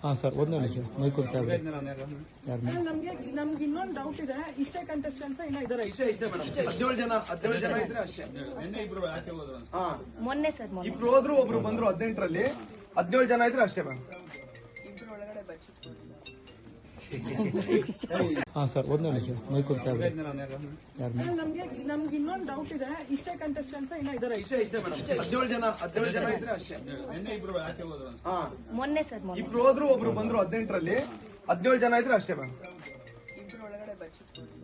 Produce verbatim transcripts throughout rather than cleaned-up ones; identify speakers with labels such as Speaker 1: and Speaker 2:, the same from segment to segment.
Speaker 1: ಹಾಂ ಸರ್ ಒಂದು ನಿಮಿಷ ಮೈಕೂರು ಸಾಹೇಬ್ ಯಾರು
Speaker 2: ನಮ್ಗೆ ನಮ್ಗೆ ಇನ್ನೊಂದು ಡೌಟ್ ಇದೆ. ಇಷ್ಟೇ ಕಂಟೆಸ್ಟೆಂಟ್ಸ್ ಇನ್ನ ಇದಾರೆ?
Speaker 3: ಇಷ್ಟೇ ಇಷ್ಟೇ ಮೇಡಮ್, ಹದಿನೇಳು ಜನ ಹದಿನೇಳು ಜನ ಇದ್ರೆ ಅಷ್ಟೇ.
Speaker 4: ಇಬ್ರು ಆಚೆ ಹೋದ್ರು.
Speaker 3: ಹಾ
Speaker 2: ಮೊನ್ನೆ ಸರ್ ಮೊನ್ನೆ
Speaker 3: ಇಬ್ರು ಹೋದ್ರು, ಒಬ್ರು ಬಂದ್ರು. ಹದಿನೆಂಟರಲ್ಲಿ ಹದಿನೇಳು ಜನ ಇದ್ರೆ ಅಷ್ಟೇ ಮೇಡಮ್.
Speaker 2: ಇಬ್ರು ಒಳಗಡೆ ಬಚ್ಚಿ.
Speaker 1: ಹಾಂ ಸರ್ ಒಂದು ನಿಮಿಷ ಮೈಕೂರು ಸಾಹೇಬ್ ಯಾರು
Speaker 2: ನಮ್ಗೆ ನಮ್ಗೆ ಇನ್ನೊಂದು ಡೌಟ್ ಇದೆ. ಇಷ್ಟೇ ಕಂಟೆಸ್ಟೆಂಟ್ಸ್ ಇನ್ನ ಇದಾರೆ?
Speaker 3: ಇಷ್ಟೇ ಇಷ್ಟೇ ಮೇಡಮ್, ಹದಿನೇಳು ಜನ ಹದಿನೇಳು ಜನ ಇದ್ರೆ ಅಷ್ಟೇ.
Speaker 4: ಇಬ್ರು ಆಚೆ ಹೋದ್ರು.
Speaker 3: ಹಾ
Speaker 2: ಮೊನ್ನೆ ಸರ್ ಮೊನ್ನೆ
Speaker 3: ಇಬ್ರು ಹೋದ್ರು, ಒಬ್ರು ಬಂದ್ರು. ಹದಿನೆಂಟರಲ್ಲಿ ಹದಿನೇಳು ಜನ ಇದ್ರೆ ಅಷ್ಟೇ ಮೇಡಮ್.
Speaker 2: ಇಬ್ರು ಒಳಗಡೆ ಬಚ್ಚಿ.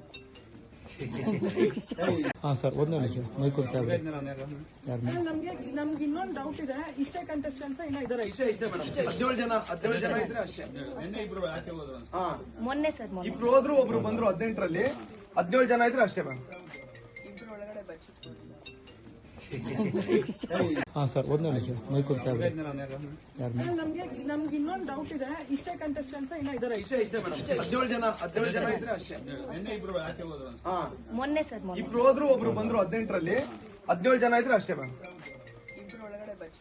Speaker 1: ಹಾಂ ಸರ್ ಒಂದು ನಿಮಿಷ ಮೈಕೂರು ಸಾಹೇಬ್ ಯಾರು
Speaker 2: ನಮ್ಗೆ ನಮ್ಗೆ ಇನ್ನೊಂದು ಡೌಟ್ ಇದೆ. ಇಷ್ಟೇ ಕಂಟೆಸ್ಟೆಂಟ್ಸ್ ಇನ್ನ ಇದಾರೆ?
Speaker 3: ಇಷ್ಟೇ ಇಷ್ಟೇ ಮೇಡಮ್, ಹದಿನೇಳು ಜನ ಹದಿನೇಳು ಜನ ಇದ್ರೆ ಅಷ್ಟೇ.
Speaker 4: ಇಬ್ರು ಆಚೆ ಹೋದ್ರು.
Speaker 3: ಹಾ
Speaker 2: ಮೊನ್ನೆ ಸರ್ ಮೊನ್ನೆ
Speaker 3: ಇಬ್ರು ಹೋದ್ರು, ಒಬ್ರು ಬಂದ್ರು. ಹದಿನೆಂಟರಲ್ಲಿ ಹದಿನೇಳು ಜನ ಇದ್ರೆ ಅಷ್ಟೇ ಮೇಡಮ್.
Speaker 2: ಇಬ್ರು ಒಳಗಡೆ ಬಚ್ಚಿ.
Speaker 1: ಹಾಂ ಸರ್ ಒಂದು ನಿಮಿಷ ಮೈಕೂರು ಸಾಹೇಬ್ ಯಾರು
Speaker 2: ನಮ್ಗೆ ನಮ್ಗೆ ಇನ್ನೊಂದು ಡೌಟ್ ಇದೆ. ಇಷ್ಟೇ ಕಂಟೆಸ್ಟೆಂಟ್ಸ್ ಇನ್ನ ಇದಾರೆ?
Speaker 3: ಇಷ್ಟೇ ಇಷ್ಟೇ ಮೇಡಮ್, ಹದಿನೇಳು ಜನ ಹದಿನೇಳು ಜನ ಇದ್ರೆ ಅಷ್ಟೇ.
Speaker 4: ಇಬ್ರು ಆಚೆ ಹೋದ್ರು.
Speaker 3: ಹಾ
Speaker 2: ಮೊನ್ನೆ ಸರ್ ಮೊನ್ನೆ
Speaker 3: ಇಬ್ರು ಹೋದ್ರು, ಒಬ್ರು ಬಂದ್ರು. ಹದಿನೆಂಟರಲ್ಲಿ ಹದಿನೇಳು ಜನ ಇದ್ರೆ ಅಷ್ಟೇ ಮೇಡಮ್.
Speaker 2: ಇಬ್ರು ಒಳಗಡೆ ಬಚ್ಚಿ.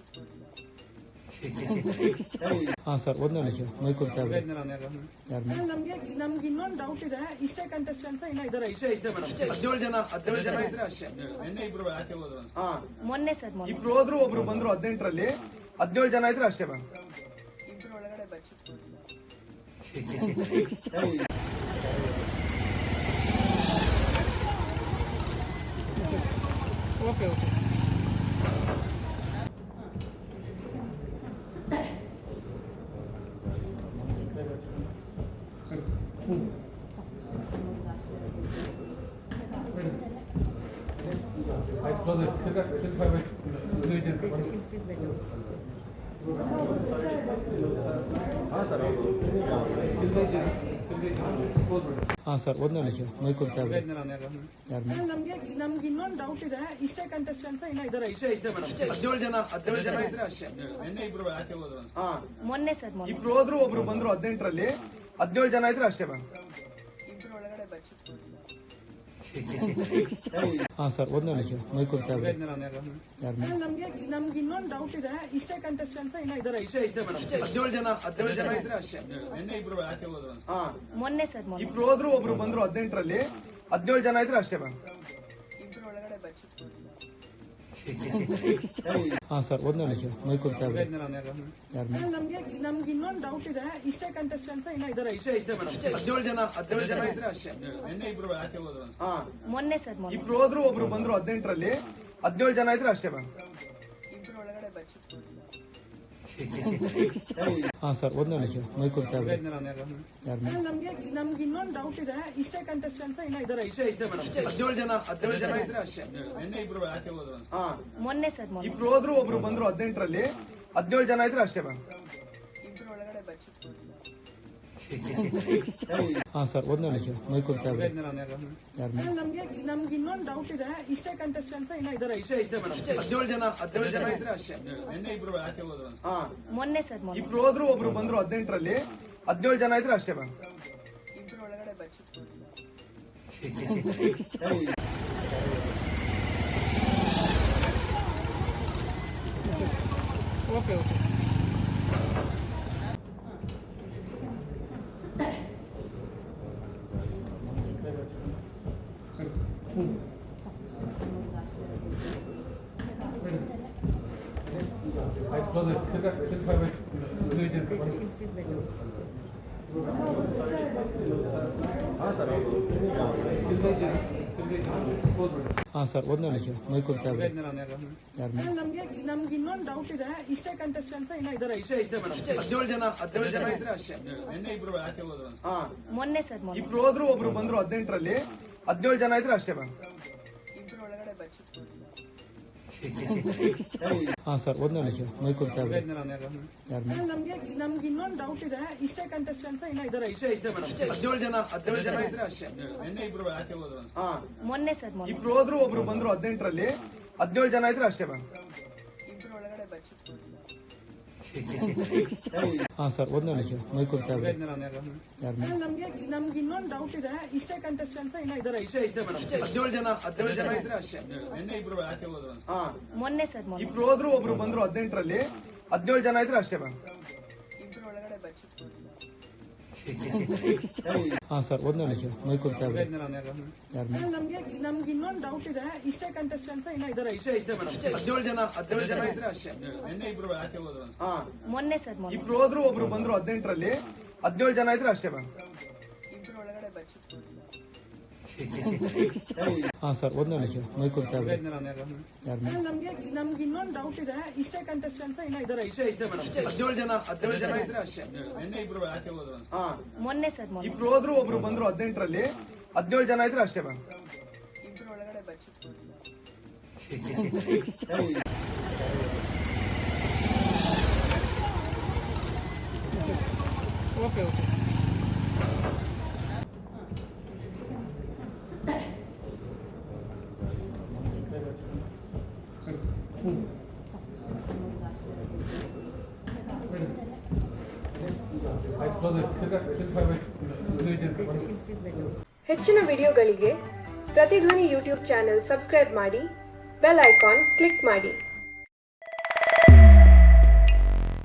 Speaker 1: ಹಾಂ ಸರ್ ಒಂದು ನಿಮಿಷ ಮೈಕೂರು ಸಾಹೇಬ್ ಯಾರು
Speaker 2: ನಮ್ಗೆ ನಮ್ಗೆ ಇನ್ನೊಂದು ಡೌಟ್ ಇದೆ. ಇಷ್ಟೇ ಕಂಟೆಸ್ಟೆಂಟ್ಸ್ ಇನ್ನ ಇದಾರೆ?
Speaker 3: ಇಷ್ಟೇ ಇಷ್ಟೇ ಮೇಡಮ್, ಹದಿನೇಳು ಜನ ಹದಿನೇಳು ಜನ ಇದ್ರೆ ಅಷ್ಟೇ.
Speaker 4: ಇಬ್ರು ಆಚೆ ಹೋದ್ರು.
Speaker 3: ಹಾ
Speaker 2: ಮೊನ್ನೆ ಸರ್ ಮೊನ್ನೆ
Speaker 3: ಇಬ್ರು ಹೋದ್ರು, ಒಬ್ರು ಬಂದ್ರು. ಹದಿನೆಂಟರಲ್ಲಿ ಹದಿನೇಳು ಜನ ಇದ್ರೆ ಅಷ್ಟೇ ಮೇಡಮ್.
Speaker 2: ಇಬ್ರು ಒಳಗಡೆ ಬಚ್ಚಿ.
Speaker 1: Okay okay I close it. Circa, circa five minutes. ಹಾಂ ಸರ್ ಒಂದು ನಿಮಿಷ ಮೈಕೂರು ಸಾಹೇಬ್ ಯಾರು
Speaker 2: ನಮ್ಗೆ ನಮ್ಗೆ ಇನ್ನೊಂದು ಡೌಟ್ ಇದೆ. ಇಷ್ಟೇ ಕಂಟೆಸ್ಟೆಂಟ್ಸ್ ಇನ್ನ ಇದಾರೆ?
Speaker 3: ಇಷ್ಟೇ ಇಷ್ಟೇ ಮೇಡಮ್, ಹದಿನೇಳು ಜನ ಹದಿನೇಳು ಜನ ಇದ್ರೆ ಅಷ್ಟೇ.
Speaker 4: ಇಬ್ರು ಆಚೆ ಹೋದ್ರು.
Speaker 3: ಹಾ
Speaker 2: ಮೊನ್ನೆ ಸರ್ ಮೊನ್ನೆ
Speaker 3: ಇಬ್ರು ಹೋದ್ರು, ಒಬ್ರು ಬಂದ್ರು. ಹದಿನೆಂಟರಲ್ಲಿ ಹದಿನೇಳು ಜನ ಇದ್ರೆ ಅಷ್ಟೇ ಮೇಡಮ್.
Speaker 2: ಇಬ್ರು ಒಳಗಡೆ ಬಚ್ಚಿ.
Speaker 1: ಹಾಂ ಸರ್ ಒಂದು ನಿಮಿಷ ಮೈಕೂರು ಸಾಹೇಬ್ ಯಾರು
Speaker 2: ನಮ್ಗೆ ನಮ್ಗೆ ಇನ್ನೊಂದು ಡೌಟ್ ಇದೆ. ಇಷ್ಟೇ ಕಂಟೆಸ್ಟೆಂಟ್ಸ್ ಇನ್ನ ಇದಾರೆ?
Speaker 3: ಇಷ್ಟೇ ಇಷ್ಟೇ ಮೇಡಮ್, ಹದಿನೇಳು ಜನ ಹದಿನೇಳು ಜನ ಇದ್ರೆ ಅಷ್ಟೇ.
Speaker 4: ಇಬ್ರು ಆಚೆ ಹೋದ್ರು.
Speaker 3: ಹಾ
Speaker 2: ಮೊನ್ನೆ ಸರ್ ಮೊನ್ನೆ
Speaker 3: ಇಬ್ರು ಹೋದ್ರು, ಒಬ್ರು ಬಂದ್ರು. ಹದಿನೆಂಟರಲ್ಲಿ ಹದಿನೇಳು ಜನ ಇದ್ರೆ ಅಷ್ಟೇ ಮೇಡಮ್.
Speaker 2: ಇಬ್ರು ಒಳಗಡೆ ಬಚ್ಚಿ.
Speaker 1: ಹಾಂ ಸರ್ ಒಂದು ನಿಮಿಷ ಮೈಕೂರು ಸಾಹೇಬ್ ಯಾರು
Speaker 2: ನಮ್ಗೆ ನಮ್ಗೆ ಇನ್ನೊಂದು ಡೌಟ್ ಇದೆ. ಇಷ್ಟೇ ಕಂಟೆಸ್ಟೆಂಟ್ಸ್ ಇನ್ನ ಇದಾರೆ?
Speaker 3: ಇಷ್ಟೇ ಇಷ್ಟೇ ಮೇಡಮ್, ಹದಿನೇಳು ಜನ ಹದಿನೇಳು ಜನ ಇದ್ರೆ ಅಷ್ಟೇ.
Speaker 4: ಇಬ್ರು ಆಚೆ ಹೋದ್ರು.
Speaker 3: ಹಾ
Speaker 2: ಮೊನ್ನೆ ಸರ್ ಮೊನ್ನೆ
Speaker 3: ಇಬ್ರು ಹೋದ್ರು, ಒಬ್ರು ಬಂದ್ರು. ಹದಿನೆಂಟರಲ್ಲಿ ಹದಿನೇಳು ಜನ ಇದ್ರೆ ಅಷ್ಟೇ ಮೇಡಮ್.
Speaker 2: ಇಬ್ರು ಒಳಗಡೆ ಬಚ್ಚಿ.
Speaker 1: ಹಾಂ ಸರ್ ಒಂದು ನಿಮಿಷ ಮೈಕೂರು ಸಾಹೇಬ್ ಯಾರು
Speaker 2: ನಮ್ಗೆ ನಮ್ಗೆ ಇನ್ನೊಂದು ಡೌಟ್ ಇದೆ. ಇಷ್ಟೇ ಕಂಟೆಸ್ಟೆಂಟ್ಸ್ ಇನ್ನ ಇದಾರೆ?
Speaker 3: ಇಷ್ಟೇ ಇಷ್ಟೇ ಮೇಡಮ್, ಹದಿನೇಳು ಜನ ಹದಿನೇಳು ಜನ ಇದ್ರೆ ಅಷ್ಟೇ.
Speaker 4: ಇಬ್ರು ಆಚೆ ಹೋದ್ರು.
Speaker 3: ಹಾ
Speaker 2: ಮೊನ್ನೆ ಸರ್ ಮೊನ್ನೆ
Speaker 3: ಇಬ್ರು ಹೋದ್ರು, ಒಬ್ರು ಬಂದ್ರು. ಹದಿನೆಂಟರಲ್ಲಿ ಹದಿನೇಳು ಜನ ಇದ್ರೆ ಅಷ್ಟೇ ಮೇಡಮ್.
Speaker 2: ಇಬ್ರು ಒಳಗಡೆ ಬಚ್ಚಿ.
Speaker 1: ಹಾಂ ಸರ್ ಒಂದು ನಿಮಿಷ ಮೈಕೂರು ಸಾಹೇಬ್ ಯಾರು
Speaker 2: ನಮ್ಗೆ ನಮ್ಗೆ ಇನ್ನೊಂದು ಡೌಟ್ ಇದೆ. ಇಷ್ಟೇ ಕಂಟೆಸ್ಟೆಂಟ್ಸ್ ಇನ್ನ ಇದಾರೆ?
Speaker 3: ಇಷ್ಟೇ ಇಷ್ಟೇ ಮೇಡಮ್, ಹದಿನೇಳು ಜನ ಹದಿನೇಳು ಜನ ಇದ್ರೆ ಅಷ್ಟೇ.
Speaker 4: ಇಬ್ರು ಆಚೆ ಹೋದ್ರು.
Speaker 3: ಹಾ
Speaker 2: ಮೊನ್ನೆ ಸರ್ ಮೊನ್ನೆ
Speaker 3: ಇಬ್ರು ಹೋದ್ರು, ಒಬ್ರು ಬಂದ್ರು. ಹದಿನೆಂಟರಲ್ಲಿ ಹದಿನೇಳು ಜನ ಇದ್ರೆ ಅಷ್ಟೇ ಮೇಡಮ್.
Speaker 2: ಇಬ್ರು ಒಳಗಡೆ ಬಚ್ಚಿ.
Speaker 1: Okay okay I close it. Circa, circa five minutes. ಹಾಂ ಸರ್ ಒಂದು ನಿಮಿಷ ಮೈಕೂರು ಸಾಹೇಬ್ ಯಾರು
Speaker 2: ನಮ್ಗೆ ನಮ್ಗೆ ಇನ್ನೊಂದು ಡೌಟ್ ಇದೆ. ಇಷ್ಟೇ ಕಂಟೆಸ್ಟೆಂಟ್ಸ್ ಇನ್ನ ಇದಾರೆ?
Speaker 3: ಇಷ್ಟೇ ಇಷ್ಟೇ ಮೇಡಮ್, ಹದಿನೇಳು ಜನ ಹದಿನೇಳು ಜನ ಇದ್ರೆ ಅಷ್ಟೇ.
Speaker 4: ಇಬ್ರು ಆಚೆ ಹೋದ್ರು.
Speaker 3: ಹಾ
Speaker 2: ಮೊನ್ನೆ ಸರ್ ಮೊನ್ನೆ
Speaker 3: ಇಬ್ರು ಹೋದ್ರು, ಒಬ್ರು ಬಂದ್ರು. ಹದಿನೆಂಟರಲ್ಲಿ ಹದಿನೇಳು ಜನ ಇದ್ರೆ ಅಷ್ಟೇ ಮೇಡಮ್.
Speaker 2: ಇಬ್ರು ಒಳಗಡೆ ಬಚ್ಚಿ.
Speaker 1: ಹಾಂ ಸರ್ ಒಂದು ನಿಮಿಷ ಮೈಕೂರು ಸಾಹೇಬ್ ಯಾರು
Speaker 2: ನಮ್ಗೆ ನಮ್ಗೆ ಇನ್ನೊಂದು ಡೌಟ್ ಇದೆ. ಇಷ್ಟೇ ಕಂಟೆಸ್ಟೆಂಟ್ಸ್ ಇನ್ನ ಇದಾರೆ?
Speaker 3: ಇಷ್ಟೇ ಇಷ್ಟೇ ಮೇಡಮ್, ಹದಿನೇಳು ಜನ ಹದಿನೇಳು ಜನ ಇದ್ರೆ ಅಷ್ಟೇ.
Speaker 4: ಇಬ್ರು ಆಚೆ ಹೋದ್ರು.
Speaker 3: ಹಾ
Speaker 2: ಮೊನ್ನೆ ಸರ್ ಮೊನ್ನೆ
Speaker 3: ಇಬ್ರು ಹೋದ್ರು, ಒಬ್ರು ಬಂದ್ರು. ಹದಿನೆಂಟರಲ್ಲಿ ಹದಿನೇಳು ಜನ ಇದ್ರೆ ಅಷ್ಟೇ ಮೇಡಮ್.
Speaker 2: ಇಬ್ರು ಒಳಗಡೆ ಬಚ್ಚಿ.
Speaker 1: ಹಾಂ ಸರ್ ಒಂದು ನಿಮಿಷ ಮೈಕೂರು ಸಾಹೇಬ್ ಯಾರು
Speaker 2: ನಮ್ಗೆ ನಮ್ಗೆ ಇನ್ನೊಂದು ಡೌಟ್ ಇದೆ. ಇಷ್ಟೇ ಕಂಟೆಸ್ಟೆಂಟ್ಸ್ ಇನ್ನ ಇದಾರೆ?
Speaker 3: ಇಷ್ಟೇ ಇಷ್ಟೇ ಮೇಡಮ್, ಹದಿನೇಳು ಜನ ಹದಿನೇಳು ಜನ ಇದ್ರೆ ಅಷ್ಟೇ.
Speaker 4: ಇಬ್ರು ಆಚೆ ಹೋದ್ರು.
Speaker 3: ಹಾ
Speaker 2: ಮೊನ್ನೆ ಸರ್ ಮೊನ್ನೆ
Speaker 3: ಇಬ್ರು ಹೋದ್ರು, ಒಬ್ರು ಬಂದ್ರು. ಹದಿನೆಂಟರಲ್ಲಿ ಹದಿನೇಳು ಜನ ಇದ್ರೆ ಅಷ್ಟೇ ಮೇಡಮ್.
Speaker 2: ಇಬ್ರು ಒಳಗಡೆ ಬಚ್ಚಿ.
Speaker 1: ಹಾಂ ಸರ್ ಒಂದೇ ನಿಮಿಷ ಮೈಕೂರು ಸಾಹೇಬ್ರೆ ಯಾರು
Speaker 2: ಅಲ್ಲ, ನಮ್ಗೆ ನಮ್ಗೆ ಇನ್ನೊಂದು ಡೌಟ್ ಇದೆ. ಇಷ್ಟೇ ಕಂಟೆಸ್ಟೆಂಟ್ಸ್ ಇನ್ನ ಇದಾರೆ?
Speaker 3: ಇಷ್ಟೇ ಇಷ್ಟೇ ಮೇಡಮ್, ಹದಿನೇಳು ಜನ ಹದಿನೇಳು ಜನ ಇದ್ರೆ ಅಷ್ಟೇ.
Speaker 4: ನಿನ್ನೆ ಇಬ್ರು ಆಚೆ ಹೋದ್ರು ಅಂತ.
Speaker 3: ಹಾ,
Speaker 5: ಮೊನ್ನೆ ಸರ್ ಮೊನ್ನೆ
Speaker 3: ಇಬ್ರು ಹೋದ್ರು ಒಬ್ರು ಬಂದ್ರು. ಹದಿನೆಂಟರಲ್ಲಿ ಹದಿನೇಳು ಜನ ಇದ್ರೆ ಅಷ್ಟೇ ಮೇಡಮ್.
Speaker 1: ಹಾಂ ಸರ್ ಒಂದೇ ನಿಮಿಷ ಮೈಕೂರು ಸಾಹೇಬ್ರೆ ಯಾರು
Speaker 2: ಅಲ್ಲ, ನಮ್ಗೆ ನಮ್ಗೆ ಇನ್ನೊಂದು ಡೌಟ್ ಇದೆ. ಇಷ್ಟೇ ಕಂಟೆಸ್ಟೆಂಟ್ಸ್ ಇನ್ನ ಇದಾರೆ?
Speaker 3: ಇಷ್ಟೇ ಇಷ್ಟೇ ಮೇಡಮ್, ಹದಿನೇಳು ಜನ ಹದಿನೇಳು ಜನ ಇದ್ರೆ ಅಷ್ಟೇ.
Speaker 4: ನಿನ್ನೆ ಇಬ್ರು ಆಚೆ ಹೋದ್ರು ಅಂತ.
Speaker 3: ಹಾ,
Speaker 5: ಮೊನ್ನೆ ಸರ್ ಮೊನ್ನೆ
Speaker 3: ಇಬ್ರು ಹೋದ್ರು ಒಬ್ರು ಬಂದ್ರು. ಹದಿನೆಂಟರಲ್ಲಿ ಹದಿನೇಳು ಜನ ಇದ್ರೆ ಅಷ್ಟೇ ಮೇಡಮ್.
Speaker 2: Okay okay.
Speaker 6: ಹೆಚ್ಚಿನ ವಿಡಿಯೋಗಳಿಗೆ ಪ್ರತಿಧ್ವನಿ ಯೂಟ್ಯೂಬ್ ಚಾನೆಲ್ ಸಬ್ಸ್ಕ್ರೈಬ್ ಮಾಡಿ, ಬೆಲ್ ಐಕಾನ್ ಕ್ಲಿಕ್ ಮಾಡಿ.